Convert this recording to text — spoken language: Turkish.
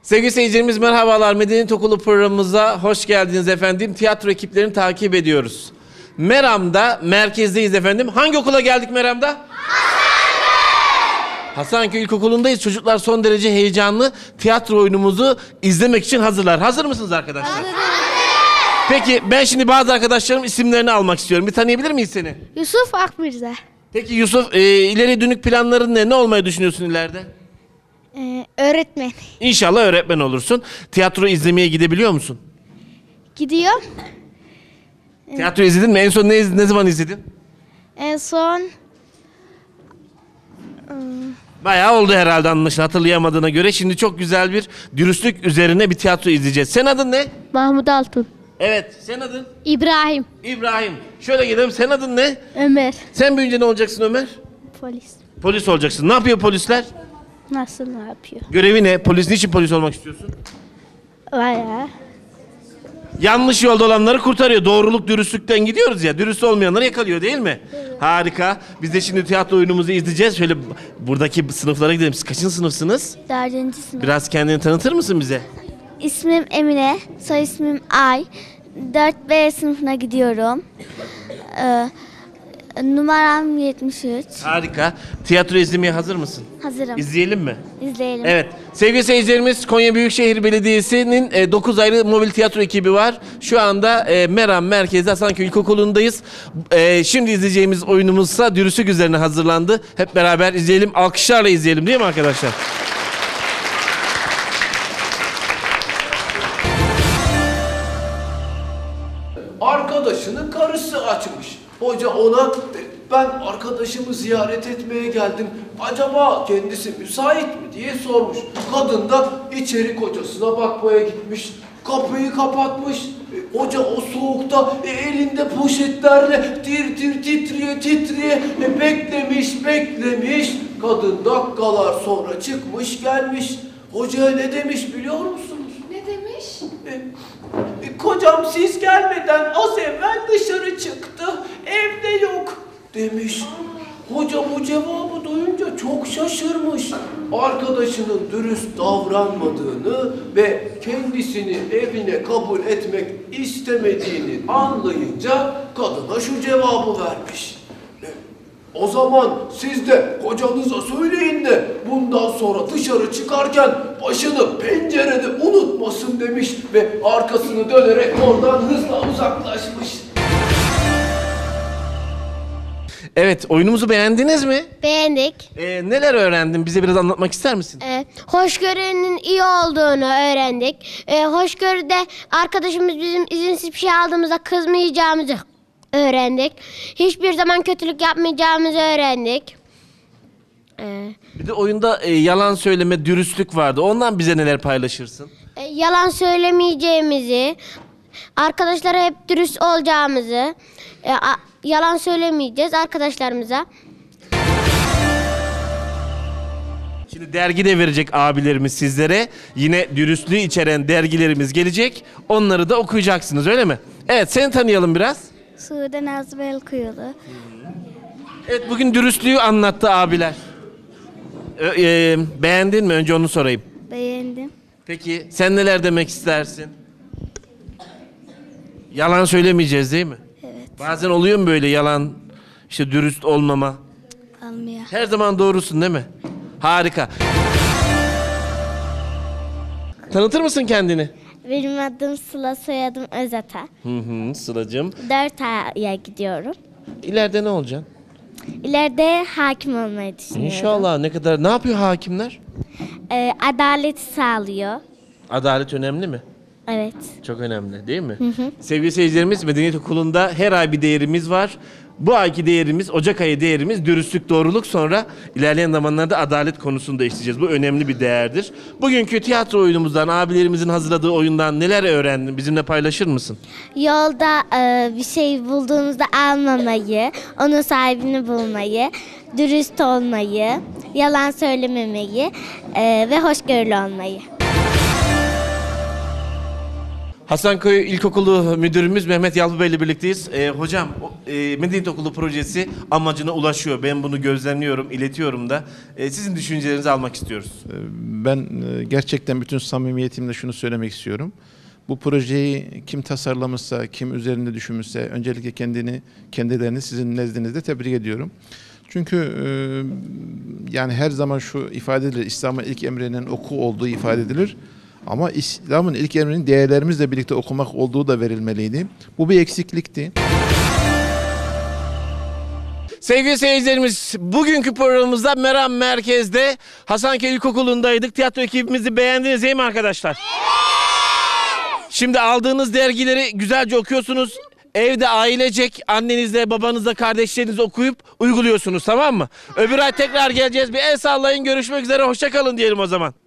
Sevgili seyircilerimiz merhabalar. Medeniyet Okulu programımıza hoş geldiniz efendim. Tiyatro ekiplerini takip ediyoruz. Meram'da merkezdeyiz efendim. Hangi okula geldik Meram'da? Hasanköy İlkokulu'ndayız. Çocuklar son derece heyecanlı. Tiyatro oyunumuzu izlemek için hazırlar. Hazır mısınız arkadaşlar? Hazırız. Peki ben şimdi bazı arkadaşlarım isimlerini almak istiyorum. Bir tanıyabilir miyiz seni? Yusuf Akmirza. Peki Yusuf, ileri dönük planların ne? Ne olmayı düşünüyorsun ileride? Öğretmen. İnşallah öğretmen olursun. Tiyatro izlemeye gidebiliyor musun? Gidiyor. Tiyatro izledin mi? En son ne zaman izledin? En son Bayağı oldu herhalde anlaşılan hatırlayamadığına göre. Şimdi çok güzel bir dürüstlük üzerine bir tiyatro izleyeceğiz. Sen adın ne? Mahmut Altun. Evet. Sen adın? İbrahim. İbrahim. Şöyle gidelim. Sen adın ne? Ömer. Sen büyüyünce ne olacaksın Ömer? Polis. Polis olacaksın. Ne yapıyor polisler? Nasıl ne yapıyor? Görevi ne? Niçin polis olmak istiyorsun? Bayağı. Yanlış yolda olanları kurtarıyor. Doğruluk, dürüstlükten gidiyoruz ya. Dürüst olmayanları yakalıyor değil mi? Evet. Harika. Biz de şimdi tiyatro oyunumuzu izleyeceğiz. Şöyle buradaki sınıflara gidelim. Siz kaçıncı sınıfsınız? 4. sınıf. Biraz kendini tanıtır mısın bize? İsmim Emine. Soy ismim Ay. 4B sınıfına gidiyorum. Numaram 73. Harika. Tiyatro izlemeye hazır mısın? Hazırım. İzleyelim mi? İzleyelim. Evet. Sevgili seyircilerimiz, Konya Büyükşehir Belediyesi'nin 9 ayrı mobil tiyatro ekibi var. Şu anda Meram merkezde Hasanköy İlkokulu'ndayız. Şimdi izleyeceğimiz oyunumuzsa dürüstlük üzerine hazırlandı. Hep beraber izleyelim. Alkışlarla izleyelim değil mi arkadaşlar? Arkadaşının karısı açmış. Hoca ona ben arkadaşımı ziyaret etmeye geldim. Acaba kendisi müsait mi diye sormuş. Kadın da içeri kocasına bakmaya gitmiş. Kapıyı kapatmış. Hoca o soğukta elinde poşetlerle tir tir titriye beklemiş. Kadın dakikalar sonra çıkmış gelmiş. Hocaya ne demiş biliyor musunuz? Ne demiş? Kocam siz gelmeden az evvel dışarı çıktı. Evde yok demiş. Hoca bu cevabı duyunca çok şaşırmış. Arkadaşının dürüst davranmadığını ve kendisini evine kabul etmek istemediğini anlayınca kadına şu cevabı vermiş. O zaman siz de kocanıza söyleyin de bundan sonra dışarı çıkarken başını pencerede unutmasın demiş ve arkasını dönerek oradan hızla uzaklaşmış. Evet, oyunumuzu beğendiniz mi? Beğendik. Neler öğrendin? Bize biraz anlatmak ister misin? Hoşgörünün iyi olduğunu öğrendik. Hoşgörüde arkadaşımız bizim izinsiz bir şey aldığımızda kızmayacağımızı öğrendik. Hiçbir zaman kötülük yapmayacağımızı öğrendik. Bir de oyunda yalan söyleme, dürüstlük vardı. Ondan bize neler paylaşırsın? Yalan söylemeyeceğimizi, arkadaşlara hep dürüst olacağımızı, yalan söylemeyeceğiz arkadaşlarımıza. Şimdi dergi de verecek abilerimiz sizlere. Yine dürüstlüğü içeren dergilerimiz gelecek. Onları da okuyacaksınız öyle mi? Evet, seni tanıyalım biraz. Sude Nazlı Belkuyulu. Evet, bugün dürüstlüğü anlattı abiler. Beğendin mi? Önce onu sorayım. Beğendim. Peki sen neler demek istersin? Yalan söylemeyeceğiz değil mi? Evet. Bazen oluyor mu böyle yalan, işte dürüst olmama? Almıyor. Her zaman doğrusun değil mi? Harika. Tanıtır mısın kendini? Benim adım Sıla, soyadım Özata. Sıla'cığım. 4 aya gidiyorum. İleride ne olacaksın? İleride hakim olmayı düşünüyorum. İnşallah. Ne yapıyor hakimler? Adalet sağlıyor. Adalet önemli mi? Evet. Çok önemli değil mi? Sevgili seyircilerimiz, Medeniyet Okulu'nda her ay bir değerimiz var. Bu ayki değerimiz, Ocak ayı değerimiz dürüstlük, doğruluk, sonra ilerleyen zamanlarda adalet konusunu da işleyeceğiz. Bu önemli bir değerdir. Bugünkü tiyatro oyunumuzdan, abilerimizin hazırladığı oyundan neler öğrendin? Bizimle paylaşır mısın? Yolda bir şey bulduğumuzda almamayı, onun sahibini bulmayı, dürüst olmayı, yalan söylememeyi ve hoşgörülü olmayı. Hasanköy İlkokulu Müdürümüz Mehmet Yalçın ile birlikteyiz. Hocam, Medeniyet Okulu projesi amacına ulaşıyor. Ben bunu gözlemliyorum, iletiyorum da. Sizin düşüncelerinizi almak istiyoruz. Ben gerçekten bütün samimiyetimle şunu söylemek istiyorum. Bu projeyi kim tasarlamışsa, kim üzerinde düşünmüşse öncelikle kendilerini sizin nezdinizde tebrik ediyorum. Çünkü yani her zaman şu ifade edilir, İslam'ın ilk emrinin oku olduğu ifade edilir. Ama İslam'ın ilk emrinin değerlerimizle birlikte okumak olduğu da verilmeliydi. Bu bir eksiklikti. Sevgili seyircilerimiz, bugünkü programımızda Meram Merkez'de Hasanköy İlkokulu'ndaydık. Tiyatro ekibimizi beğendiniz değil mi arkadaşlar? Şimdi aldığınız dergileri güzelce okuyorsunuz. Evde ailecek annenizle, babanızla, kardeşlerinizle okuyup uyguluyorsunuz, tamam mı? Öbür ay tekrar geleceğiz. Bir el sallayın, görüşmek üzere, hoşça kalın diyelim o zaman.